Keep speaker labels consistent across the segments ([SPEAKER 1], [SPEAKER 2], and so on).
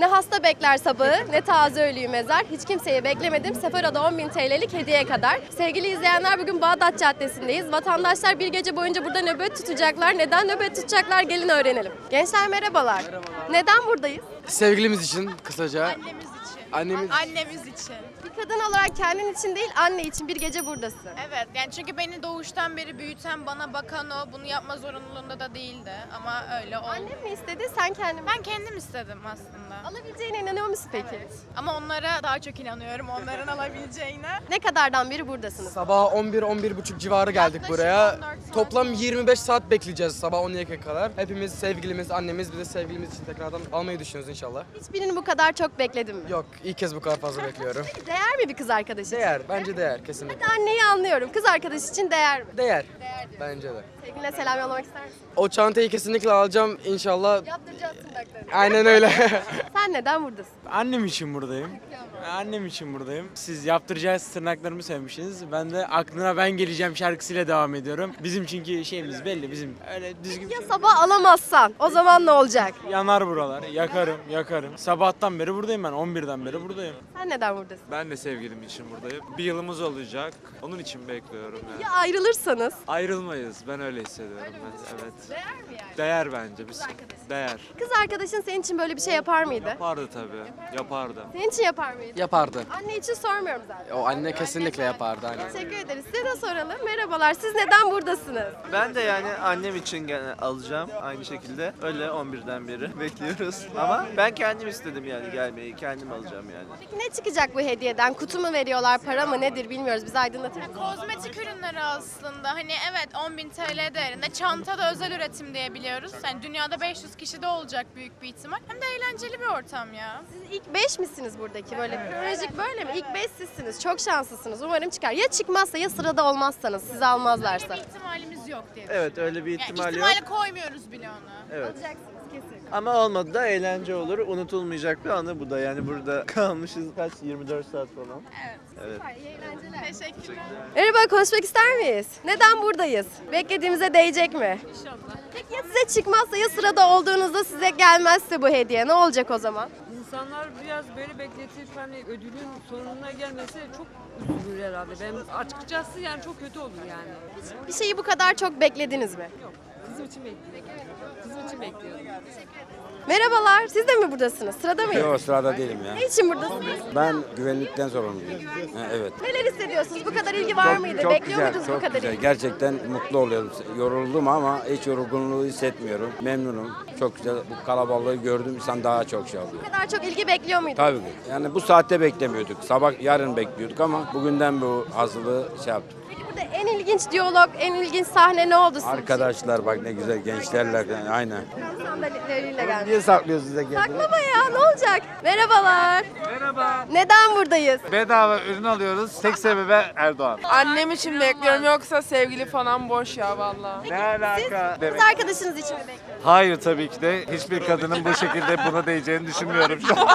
[SPEAKER 1] Ne hasta bekler sabahı, ne taze ölüyü mezar. Hiç kimseyi beklemedim. Sefero'da 10.000 TL'lik hediye kadar. Sevgili izleyenler, bugün Bağdat Caddesi'ndeyiz. Vatandaşlar bir gece boyunca burada nöbet tutacaklar. Neden nöbet tutacaklar? Gelin öğrenelim. Gençler merhabalar. Neden buradayız?
[SPEAKER 2] Sevgilimiz için kısaca.
[SPEAKER 3] Annemiz için. Annemiz için.
[SPEAKER 1] Bir kadın olarak kendin için değil, anne için bir gece buradasın.
[SPEAKER 3] Evet, yani çünkü beni doğuştan beri büyüten, bana bakan o, bunu yapma zorunluluğunda da değildi ama öyle oldu.
[SPEAKER 1] Annem mi istedi, sen kendin mi?
[SPEAKER 3] Ben kendim istedim aslında.
[SPEAKER 1] Alabileceğine inanıyor musun peki?
[SPEAKER 3] Ama onlara daha çok inanıyorum, onların alabileceğine.
[SPEAKER 1] Ne kadardan beri buradasınız?
[SPEAKER 2] Sabah 11-11.30 civarı geldik
[SPEAKER 3] Yaklaşık
[SPEAKER 2] buraya.
[SPEAKER 3] 14 saat
[SPEAKER 2] Toplam
[SPEAKER 3] oldu.
[SPEAKER 2] 25 saat bekleyeceğiz sabah 12'ye kadar. Hepimiz sevgilimiz, annemiz, bir de sevgilimiz için tekrardan almayı düşünüyoruz inşallah.
[SPEAKER 1] Hiçbirini bu kadar çok bekledin mi?
[SPEAKER 2] Yok, ilk kez bu kadar fazla bekliyorum.
[SPEAKER 1] Değer mi bir kız arkadaş için?
[SPEAKER 2] Değer, bence değer kesinlikle.
[SPEAKER 1] Anneyi anlıyorum. Kız arkadaş için değer mi?
[SPEAKER 2] Değer.
[SPEAKER 1] Değer diyor.
[SPEAKER 2] Bence de.
[SPEAKER 1] Sevgiline selam yollamak ister misin?
[SPEAKER 2] O çantayı kesinlikle alacağım inşallah.
[SPEAKER 1] Yaptıracağız tırnaklarını.
[SPEAKER 2] Aynen öyle.
[SPEAKER 1] Sen neden buradasın?
[SPEAKER 4] Annem için buradayım. Annem için buradayım. Siz yaptıracağız tırnaklarımı sevmişsiniz. Ben de aklına ben geleceğim şarkısıyla devam ediyorum. Bizim çünkü şeyimiz belli. Bizim öyle düzgün bir
[SPEAKER 1] Ya
[SPEAKER 4] şey.
[SPEAKER 1] sabah alamazsan o zaman ne olacak?
[SPEAKER 4] Yanar buralar. Yakarım. Sabahtan beri buradayım ben. 11'den beri buradayım.
[SPEAKER 1] Sen neden buradasın?
[SPEAKER 5] Ben de sevgilim için buradayım. Bir yılımız olacak. Onun için bekliyorum yani.
[SPEAKER 1] Ya ayrılırsanız?
[SPEAKER 5] Ayrılmayız. Ben öyle hissediyorum. Evet.
[SPEAKER 1] Değer mi yani?
[SPEAKER 5] Değer bence. Değer.
[SPEAKER 1] Kız arkadaşın senin için böyle bir şey yapar mıydı?
[SPEAKER 5] Yapardı tabii. Yapardı.
[SPEAKER 1] Senin için yapar mıydı?
[SPEAKER 2] Yapardı.
[SPEAKER 1] Anne için sormuyorum zaten.
[SPEAKER 2] O anne kesinlikle yapardı. Aynen.
[SPEAKER 1] Teşekkür ederiz. Size de soralım. Merhabalar. Siz neden buradasınız?
[SPEAKER 6] Ben de yani annem için gene alacağım aynı şekilde. Öyle 11'den beri bekliyoruz. Ama ben kendim istedim yani gelmeyi. Kendim alacağım yani.
[SPEAKER 1] Peki ne çıkacak bu hediyeden? Kutu mu veriyorlar, para mı nedir bilmiyoruz. Bizi aydınlatır mısın?
[SPEAKER 3] Kozmetik ürünleri aslında. Hani evet 10.000 TL değerinde. Çanta da özel üretim diye biliyoruz. Yani dünyada 500 kişi de olacak büyük bir ihtimal. Hem de eğlenceli bir ortam ya.
[SPEAKER 1] Siz ilk 5 misiniz buradaki? Böyle kronolojik böyle mi? İlk 5 sizsiniz. Çok şanslısınız. Umarım çıkar. Ya çıkmazsa ya sırada olmazsanız sizi almazlarsa.
[SPEAKER 3] Böyle bir ihtimalimiz yok diye.
[SPEAKER 6] Evet öyle bir
[SPEAKER 3] Yani
[SPEAKER 6] ihtimal yok.
[SPEAKER 3] ihtimale koymuyoruz bile onu.
[SPEAKER 6] Evet.
[SPEAKER 1] Alacaksınız kesin.
[SPEAKER 6] Ama olmadı da eğlence olur. Unutulmayacak bir anı bu da. Yani burada kalmışız kaç? 24 saat falan.
[SPEAKER 1] Süper, iyi eğlenceler.
[SPEAKER 3] Teşekkürler.
[SPEAKER 1] Merhaba, konuşmak ister miyiz? Neden buradayız? Beklediğimize değecek mi? İnşallah. Peki ya size çıkmazsa ya sırada olduğunuzda size gelmezse bu hediye ne olacak o zaman?
[SPEAKER 7] İnsanlar biraz böyle bekletip hani ödülün sonuna gelmesi çok üzülür herhalde. Ben açıkçası yani çok kötü olur yani.
[SPEAKER 1] Bir şeyi bu kadar çok beklediniz mi?
[SPEAKER 7] Yok. Kızım için bekliyorum. Kızım için bekliyorum.
[SPEAKER 1] Merhabalar, siz de mi buradasınız? Sırada mıyız?
[SPEAKER 8] Yok sırada değilim ya.
[SPEAKER 1] Ne için buradasınız?
[SPEAKER 8] Ben güvenlikten sorumluyum. Ha, evet.
[SPEAKER 1] Neler hissediyorsunuz? Bu kadar ilgi var mıydı?
[SPEAKER 8] Çok
[SPEAKER 1] Bekliyor
[SPEAKER 8] güzel,
[SPEAKER 1] muydunuz bu
[SPEAKER 8] çok
[SPEAKER 1] kadar
[SPEAKER 8] güzel.
[SPEAKER 1] ilgi?
[SPEAKER 8] Gerçekten mutlu oluyorum. Yoruldum ama hiç yorgunluğu hissetmiyorum. Memnunum. Çok güzel. Bu kalabalığı gördüm. İnsan daha çok şey oluyor.
[SPEAKER 1] Bu kadar çok ilgi bekliyor muydunuz?
[SPEAKER 8] Tabii ki. Yani bu saatte beklemiyorduk. Sabah yarın bekliyorduk ama bugünden bu hazırlığı şey yaptık.
[SPEAKER 1] Peki burada en ilginç diyalog, en ilginç sahne ne oldu sizin için?
[SPEAKER 8] Arkadaşlar bak ne güzel gençlerler. Yani, aynen.
[SPEAKER 1] Sandalyeleriyle geldi.
[SPEAKER 8] Niye saklıyorsunuz size kendini?
[SPEAKER 1] Saklama ya, ne olacak? Merhabalar.
[SPEAKER 9] Merhaba.
[SPEAKER 1] Neden buradayız?
[SPEAKER 9] Bedava ürün alıyoruz. Tek sebebi Erdoğan.
[SPEAKER 7] Annem için bekliyorum yoksa sevgili falan boş ya vallahi.
[SPEAKER 9] Ne alaka?
[SPEAKER 1] Kız arkadaşınız için mi bekliyorsunuz?
[SPEAKER 9] Hayır tabii ki de. Hiçbir kadının bu şekilde buna değeceğini düşünmüyorum şu an.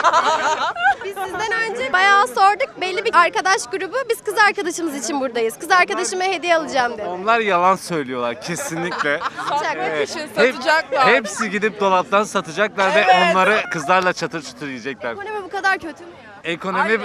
[SPEAKER 1] Biz sizden önce bayağı sorduk. Belli bir arkadaş grubu, biz kız arkadaşımız için buradayız. Kız arkadaşıma hediye alacağım dedi.
[SPEAKER 9] Onlar yalan söylüyorlar kesinlikle.
[SPEAKER 1] Alacak.
[SPEAKER 9] Hep, hepsi gidip dolaptan satacaklar ve onları kızlarla çatır çutur yiyecekler.
[SPEAKER 1] Ekonomi bu kadar kötü mü ya?
[SPEAKER 9] Ekonomi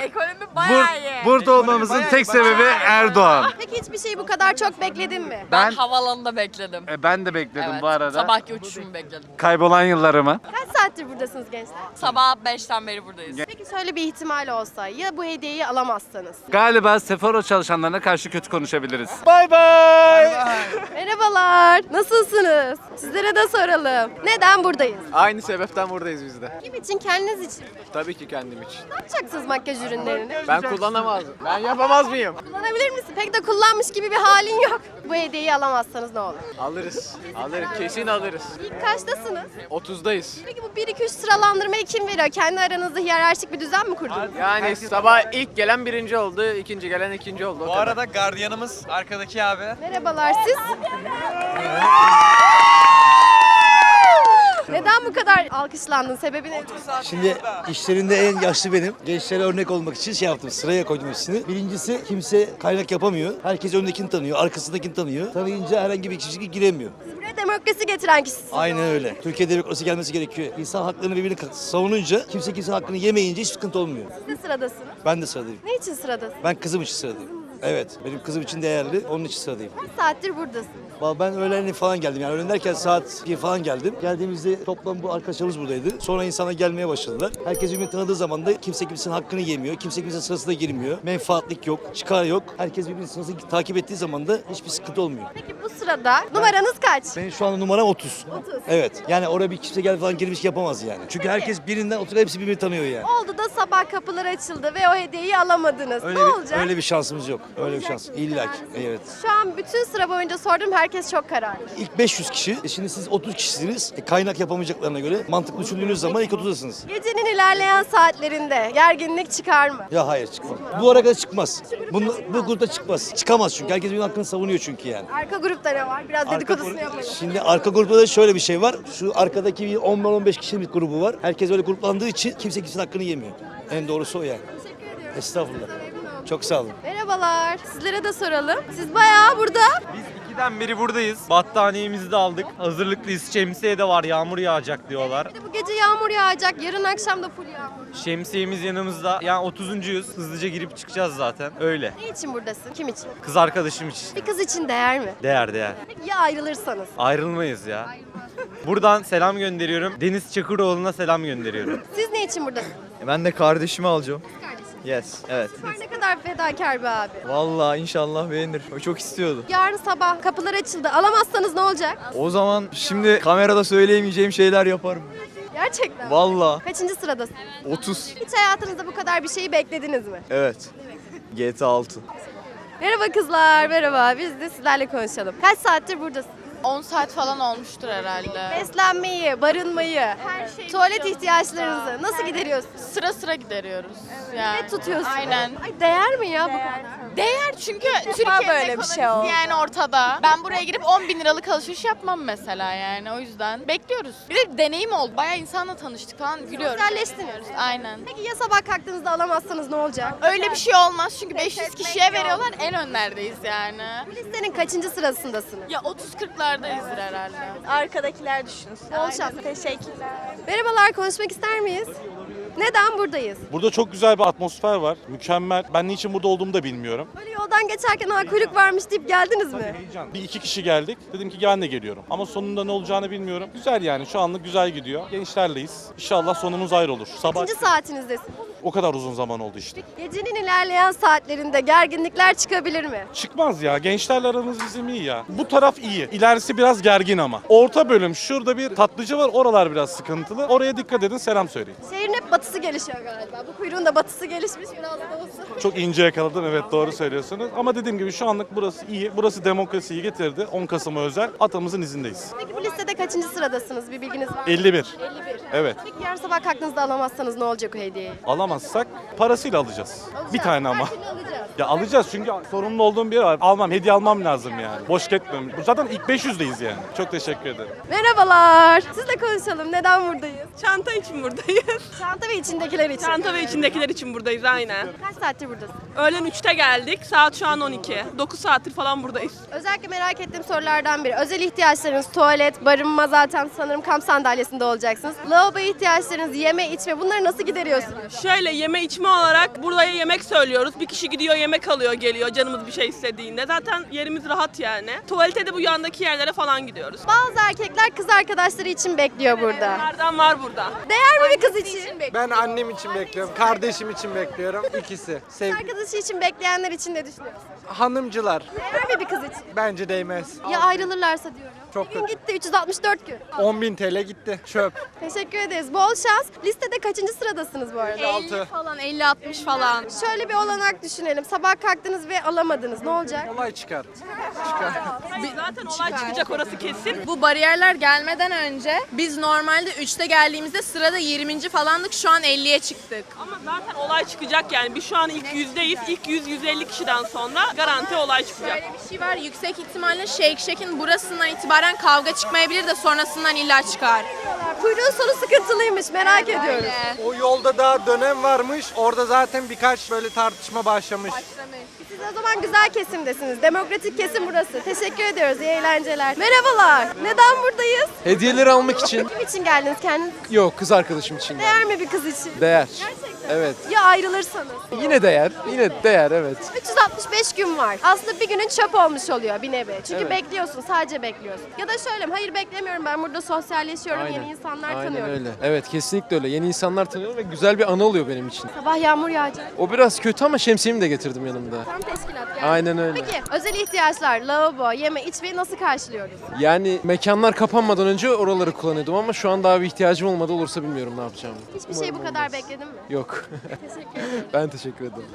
[SPEAKER 9] burada olmamızın tek sebebi Erdoğan.
[SPEAKER 1] Peki hiçbir şeyi bu kadar çok bekledin mi?
[SPEAKER 9] Ben
[SPEAKER 7] Havalanında bekledim.
[SPEAKER 9] ben de bekledim bu arada.
[SPEAKER 7] Sabahki uçuşumu bekledim.
[SPEAKER 9] Kaybolan yıllarımı.
[SPEAKER 1] Kaç saattir buradasınız gençler?
[SPEAKER 7] Sabah 5'ten beri buradayız.
[SPEAKER 1] Peki şöyle bir ihtimal olsa ya bu hediyeyi alamazsanız?
[SPEAKER 9] Galiba Sephora çalışanlarına karşı kötü konuşabiliriz. Bay bay.
[SPEAKER 1] Merhabalar, nasılsınız? Sizlere de soralım. Neden buradayız?
[SPEAKER 6] Aynı sebepten buradayız biz de.
[SPEAKER 1] Kim için, kendiniz için mi?
[SPEAKER 6] Tabii ki kendim için.
[SPEAKER 1] Ne yapacaksınız makyaj ürünlerini?
[SPEAKER 6] Ben kullanamazdım. Ben yapamaz mıyım?
[SPEAKER 1] Kullanabilir misin? Pek de kullanmış gibi bir halin yok. Bu hediyeyi alamazsanız ne olur?
[SPEAKER 6] Alırız. Kesin alırız.
[SPEAKER 1] İlk kaçtasınız?
[SPEAKER 6] 30'dayız.
[SPEAKER 1] Peki bu 1-2-3 sıralandırmayı kim veriyor? Kendi aranızda hiyerarşik bir düzen mi kurdunuz?
[SPEAKER 6] Yani sabah ilk gelen birinci oldu, ikinci gelen ikinci oldu.
[SPEAKER 4] Bu arada gardiyanımız arkadaki abi.
[SPEAKER 1] Merhabalar, siz? Neden bu kadar alkışlandın? Sebebi ne?
[SPEAKER 10] Şimdi işlerinde en yaşlı benim. Gençlere örnek olmak için şey yaptım. Sıraya koydum hepsini. Birincisi kimse kaynak yapamıyor. Herkes öndekini tanıyor, arkasındakini tanıyor. Tanıyınca herhangi bir kişi giremiyor.
[SPEAKER 1] Siz buraya demokrasi getiren kişisiniz.
[SPEAKER 10] Aynen öyle. Türkiye'de demokrasi gelmesi gerekiyor. İnsan haklarını birbirini savununca kimse kimsenin hakkını yemeyince hiç sıkıntı olmuyor.
[SPEAKER 1] Siz de sıradasınız.
[SPEAKER 10] Ben de sıradayım.
[SPEAKER 1] Ne için sıradasınız?
[SPEAKER 10] Ben kızım için sıradayım. Evet, benim kızım için değerli, onun için sıradayım.
[SPEAKER 1] Kaç saattir buradasınız?
[SPEAKER 10] Vallahi ben öğlen falan geldim, yani öğlen derken saat 1 falan geldim. Geldiğimizde toplam bu arkadaşlarımız buradaydı. Sonra insanlar gelmeye başladılar. Herkes birbirini tanıdığı zaman da kimse kimsenin hakkını yemiyor, kimse kimsenin sırasına girmiyor. Menfaatlik yok, çıkar yok. Herkes birbirinin sırasını takip ettiği zaman da hiçbir sıkıntı olmuyor.
[SPEAKER 1] Peki bu sırada numaranız kaç?
[SPEAKER 10] Benim şu anda numaram 30.
[SPEAKER 1] 30.
[SPEAKER 10] Evet, yani oraya bir kimse gel falan girmiş yapamaz yani. Çünkü herkes birinden oturup hepsi birbirini tanıyor yani.
[SPEAKER 1] Oldu da sabah kapılar açıldı ve o hediyeyi alamadınız.
[SPEAKER 10] Öyle
[SPEAKER 1] ne olacak?
[SPEAKER 10] öyle bir şansımız yok. Öyle bir şans. İlla ki. Evet.
[SPEAKER 1] Şu an bütün sıra boyunca sordum, herkes çok kararlı.
[SPEAKER 10] İlk 500 kişi. Şimdi siz 30 kişisiniz. Kaynak yapamayacaklarına göre mantıklı düşündüğünüz zaman ilk 30'dasınız.
[SPEAKER 1] Gecenin ilerleyen saatlerinde gerginlik çıkar mı?
[SPEAKER 10] Ya hayır çıkmaz. Bu ara kadar çıkmaz. Bu grupta çıkmaz. Çıkamaz çünkü. Herkes birinin hakkını savunuyor çünkü yani.
[SPEAKER 1] Arka grupta ne var? Biraz dedikodusunu yapalım.
[SPEAKER 10] Şimdi arka grupta da şöyle bir şey var. Şu arkadaki bir 10-15 kişilik bir grubu var. Herkes öyle gruplandığı için kimse kimsenin hakkını yemiyor. En doğrusu o yani.
[SPEAKER 1] Teşekkür ediyorum.
[SPEAKER 10] Estağfurullah. Çok sağ olun.
[SPEAKER 1] Merhabalar. Sizlere de soralım. Siz bayağı burada.
[SPEAKER 11] Biz 2'den beri buradayız. Battaniyemizi de aldık. Hazırlıklıyız. Şemsiye de var. Yağmur yağacak diyorlar.
[SPEAKER 1] Bir de bu gece yağmur yağacak. Yarın akşam da full yağmur.
[SPEAKER 11] Şemsiyemiz yanımızda. Yani 30'uncuyuz. Hızlıca girip çıkacağız zaten. Öyle.
[SPEAKER 1] Ne için buradasın? Kim için?
[SPEAKER 11] Kız arkadaşım için.
[SPEAKER 1] Bir kız için değer mi?
[SPEAKER 11] Değer değer.
[SPEAKER 1] Peki ya ayrılırsanız?
[SPEAKER 11] Ayrılmayız ya. Buradan selam gönderiyorum. Deniz Çakıroğlu'na selam gönderiyorum.
[SPEAKER 1] Siz ne için buradasınız?
[SPEAKER 12] Ben de kardeşimi alacağım.
[SPEAKER 1] Kardeşim.
[SPEAKER 12] Yes, evet.
[SPEAKER 1] Süper, ne kadar fedakar bir abi.
[SPEAKER 12] Vallahi inşallah beğenir. O çok istiyordu.
[SPEAKER 1] Yarın sabah kapılar açıldı. Alamazsanız ne olacak?
[SPEAKER 12] O zaman şimdi kamerada söyleyemeyeceğim şeyler yaparım.
[SPEAKER 1] Gerçekten mi?
[SPEAKER 12] Vallahi
[SPEAKER 1] Kaçıncı sıradasın?
[SPEAKER 12] 30.
[SPEAKER 1] Hiç hayatınızda bu kadar bir şeyi beklediniz mi?
[SPEAKER 12] Evet. GTA 6.
[SPEAKER 1] Merhaba kızlar, merhaba. Biz de sizlerle konuşalım. Kaç saattir buradasın?
[SPEAKER 3] 10 saat falan olmuştur herhalde.
[SPEAKER 1] Beslenmeyi, barınmayı,
[SPEAKER 3] Her şeyi
[SPEAKER 1] tuvalet
[SPEAKER 3] biliyoruz
[SPEAKER 1] ihtiyaçlarınızı
[SPEAKER 3] burada.
[SPEAKER 1] nasıl gideriyorsunuz?
[SPEAKER 3] Sıra sıra gideriyoruz. Yani.
[SPEAKER 1] Ne tutuyorsunuz?
[SPEAKER 3] Aynen.
[SPEAKER 1] Ay değer mi ya bu kadar?
[SPEAKER 3] Değer çünkü Türkiye'nin
[SPEAKER 1] böyle bir şey oldu.
[SPEAKER 3] yani ortada. Ben buraya girip 10 bin liralık alışveriş yapmam mesela yani o yüzden. Bekliyoruz. Bir de deneyim oldu. Bayağı insanla tanıştık falan gülüyoruz.
[SPEAKER 1] Sosyalleştiniz.
[SPEAKER 3] Aynen.
[SPEAKER 1] Peki ya sabah kalktığınızda alamazsanız ne olacak?
[SPEAKER 3] Öyle bir şey olmaz çünkü
[SPEAKER 1] Pes
[SPEAKER 3] 500
[SPEAKER 1] etmek
[SPEAKER 3] kişiye
[SPEAKER 1] yok.
[SPEAKER 3] veriyorlar en önlerdeyiz yani.
[SPEAKER 1] Bu listenin kaçıncı sırasındasınız?
[SPEAKER 3] Ya 30-40'lardayızdır herhalde.
[SPEAKER 13] Arkadakiler düşünsün.
[SPEAKER 1] Bol şans.
[SPEAKER 13] Teşekkürler.
[SPEAKER 1] Merhabalar, konuşmak ister miyiz? Neden buradayız?
[SPEAKER 14] Burada çok güzel bir atmosfer var. Mükemmel. Ben niçin burada olduğumu da bilmiyorum.
[SPEAKER 1] Böyle yoldan geçerken ha kuyruk varmış deyip geldiniz mi?
[SPEAKER 14] Heyecan. Bir iki kişi geldik. Dedim ki ben de geliyorum. Ama sonunda ne olacağını bilmiyorum. Güzel yani. Şu anlık güzel gidiyor. Gençlerleyiz. İnşallah sonumuz ayrı olur. Sabah
[SPEAKER 1] Kaçıncı saatinizdesin?
[SPEAKER 14] o kadar uzun zaman oldu işte.
[SPEAKER 1] Gecenin ilerleyen saatlerinde gerginlikler çıkabilir mi?
[SPEAKER 14] Çıkmaz ya. Gençlerle aramız bizim iyi ya. Bu taraf iyi. İlerisi biraz gergin ama. Orta bölüm. Şurada bir tatlıcı var. Oralar biraz sıkıntılı. Oraya dikkat edin. Selam söyleyin.
[SPEAKER 1] Şehrin hep batısı gelişiyor galiba. Bu kuyruğun da batısı gelişmiş biraz da olsun.
[SPEAKER 14] Çok ince yakaladım. Evet doğru söylüyorsunuz. Ama dediğim gibi şu anlık burası iyi. Burası demokrasiyi getirdi. 10 Kasım'a özel. Atamızın izindeyiz.
[SPEAKER 1] Peki bu listede kaçıncı sıradasınız? Bir bilginiz var mı?
[SPEAKER 14] 51.
[SPEAKER 1] 51.
[SPEAKER 14] Evet.
[SPEAKER 1] Peki yarın sabah kalktığınızda alamazsanız ne olacak o hediyeyi?
[SPEAKER 14] Alamazsak parasıyla alacağız. Bir tane ama.
[SPEAKER 1] Her türlü alacağız.
[SPEAKER 14] Ya alacağız çünkü sorumlu olduğum bir yer var. Almam, hediye almam lazım yani. Boş gitmem. Zaten ilk 500'deyiz yani. Çok teşekkür ederim.
[SPEAKER 1] Merhabalar. Sizle konuşalım. Neden buradayız?
[SPEAKER 7] Çanta için buradayız.
[SPEAKER 1] Çanta ve içindekiler için.
[SPEAKER 7] Çanta ve içindekiler için buradayız aynen.
[SPEAKER 1] Kaç saattir buradasın?
[SPEAKER 7] Öğlen 3'te geldik. Saat şu an 12. 9 saattir falan buradayız.
[SPEAKER 1] Özellikle merak ettiğim sorulardan biri. Özel ihtiyaçlarınız, tuvalet, barınma, zaten sanırım kamp sandalyesinde olacaksınız. Lavabo ihtiyaçlarınız, yeme, içme, bunları nasıl gideriyorsunuz?
[SPEAKER 7] Şöyle yeme içme olarak buraya yemek söylüyoruz. Bir kişi gidiyor yemek alıyor geliyor canımız bir şey istediğinde. Zaten yerimiz rahat yani. Tuvalete de bu yandaki yerlere falan gidiyoruz.
[SPEAKER 1] Bazı erkekler kız arkadaşları için bekliyor burada.
[SPEAKER 7] Nereden var burada?
[SPEAKER 1] Değer mi bir kız için?
[SPEAKER 4] Ben annem için bekliyorum. Kardeşim için bekliyorum. İkisi.
[SPEAKER 1] Kız arkadaşı için bekleyenler için ne düşünüyorsun?
[SPEAKER 4] Hanımcılar.
[SPEAKER 1] Değer mi bir kız için?
[SPEAKER 4] Bence değmez.
[SPEAKER 1] Ya ayrılırlarsa diyorum.
[SPEAKER 4] Çok
[SPEAKER 1] Bir gün gitti 364 gün.
[SPEAKER 4] 10.000 TL gitti. Çöp.
[SPEAKER 1] Teşekkür ederiz. Bol şans. Listede kaçıncı sıradasınız bu arada?
[SPEAKER 3] 50 falan 50-60 falan.
[SPEAKER 1] Şöyle bir olanak düşünelim. sabah kalktınız ve alamadınız. Ne olacak?
[SPEAKER 12] Olay çıkar.
[SPEAKER 7] Zaten olay çıkacak, orası kesin.
[SPEAKER 3] Bu bariyerler gelmeden önce biz normalde 3'te geldiğimizde sırada 20. falandık. Şu an 50'ye çıktık.
[SPEAKER 7] Ama zaten olay çıkacak yani. Biz şu an ilk yüzdeyiz. İlk 100-150 kişiden sonra garanti olay çıkacak.
[SPEAKER 3] Böyle bir şey var. Yüksek ihtimalle Shake Shack'in burasından itibaren kavga çıkmayabilir de sonrasından illa çıkar.
[SPEAKER 1] Kuyruğun sonu sıkıntılıymış. Merak ediyoruz.
[SPEAKER 12] O yolda daha dönem varmış. Orada zaten birkaç böyle tartışma başlamış.
[SPEAKER 1] Siz o zaman güzel kesimdesiniz. Demokratik kesim burası. Teşekkür ediyoruz. İyi eğlenceler. Merhabalar. Neden buradayız?
[SPEAKER 12] Hediyeleri almak için.
[SPEAKER 1] Kim için geldiniz kendiniz?
[SPEAKER 12] Yok, kız arkadaşım için.
[SPEAKER 1] Değer mi bir kız için?
[SPEAKER 12] Değer.
[SPEAKER 1] Gerçekten.
[SPEAKER 12] Evet.
[SPEAKER 1] Ya ayrılırsanız?
[SPEAKER 12] Yine değer. Yine değer, evet.
[SPEAKER 1] 365 gün var. Aslında bir günün çöp olmuş oluyor bir nevi. Çünkü
[SPEAKER 12] Evet.
[SPEAKER 1] bekliyorsun, sadece bekliyorsun. Ya da şöyle, hayır beklemiyorum, ben burada sosyalleşiyorum,
[SPEAKER 12] Aynen.
[SPEAKER 1] yeni insanlar
[SPEAKER 12] Aynen
[SPEAKER 1] tanıyorum.
[SPEAKER 12] öyle. Evet, kesinlikle öyle. Yeni insanlar tanıyorum ve güzel bir anı oluyor benim için.
[SPEAKER 1] Sabah yağmur yağacak.
[SPEAKER 12] O biraz kötü ama şemsiyemi de getirdim yanımda.
[SPEAKER 1] Tam teşkilat yani.
[SPEAKER 12] Aynen öyle.
[SPEAKER 1] Peki özel ihtiyaçlar, lavabo, yeme, içmeyi nasıl karşılıyoruz?
[SPEAKER 12] Yani mekanlar kapanmadan önce oraları kullanıyordum ama şu an daha bir ihtiyacım olmadı. Olursa bilmiyorum ne yapacağımı.
[SPEAKER 1] Hiçbir şey bu kadar bekledin mi?
[SPEAKER 12] Yok.
[SPEAKER 1] Teşekkür ederim.
[SPEAKER 12] Ben teşekkür ederim.